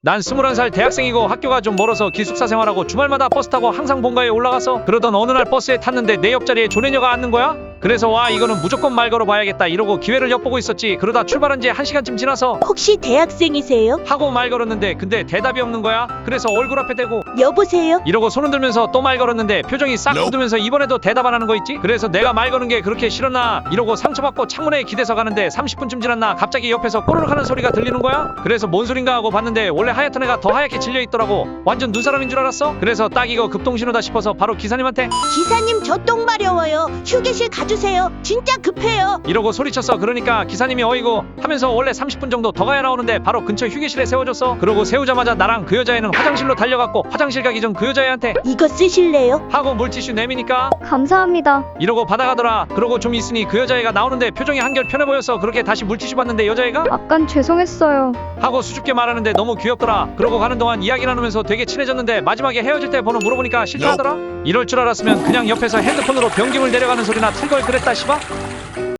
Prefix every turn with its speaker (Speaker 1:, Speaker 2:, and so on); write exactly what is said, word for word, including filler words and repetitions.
Speaker 1: 난 스물한 살 대학생이고 학교가 좀 멀어서 기숙사 생활하고 주말마다 버스 타고 항상 본가에 올라가서 그러던 어느 날 버스에 탔는데 내 옆자리에 조내녀가 앉는 거야? 그래서 와 이거는 무조건 말 걸어봐야겠다 이러고 기회를 엿보고 있었지. 그러다 출발한 지 한 시간쯤 지나서
Speaker 2: 혹시 대학생이세요?
Speaker 1: 하고 말 걸었는데 근데 대답이 없는 거야. 그래서 얼굴 앞에 대고
Speaker 2: 여보세요?
Speaker 1: 이러고 손을 들면서 또 말 걸었는데 표정이 싹 굳으면서 이번에도 대답 안 하는 거 있지? 그래서 내가 말 거는 게 그렇게 싫었나 이러고 상처받고 창문에 기대서 가는데 삼십 분쯤 지났나 갑자기 옆에서 꼬르륵 하는 소리가 들리는 거야. 그래서 뭔 소린가 하고 봤는데 원래 하얗던 애가 더 하얗게 질려있더라고. 완전 눈사람인 줄 알았어. 그래서 딱 이거 급통신호다 싶어서 바로 기사님한테
Speaker 2: 기사님 저 똥 마려워요. 휴게실 가주세요. 진짜 급해요.
Speaker 1: 이러고 소리쳤어. 그러니까 기사님이 어이구 하면서 원래 삼십 분 정도 더 가야 나오는데 바로 근처 휴게실에 세워줬어. 그러고 세우자마자 나랑 그 여자애는 화장실로 달려갔고 화장실 가기 전 그 여자애한테
Speaker 2: 이거 쓰실래요?
Speaker 1: 하고 물티슈 내미니까
Speaker 3: 감사합니다.
Speaker 1: 이러고 받아가더라. 그러고 좀 있으니 그 여자애가 나오는데 표정이 한결 편해 보여서 그렇게 다시 물티슈 받는데 여자애가
Speaker 3: 아깐 죄송했어요.
Speaker 1: 하고 수줍게 말하는데 너무 귀엽더라. 그러고 가는 동안 이야기 나누면서 되게 친해졌는데 마지막에 헤어질 때 번호 물어보니까 싫다하더라. 이럴 줄 알았으면 그냥 옆에서 핸드폰으로 변기물 내려가는 소리나 틀 걸 그랬다 씨바.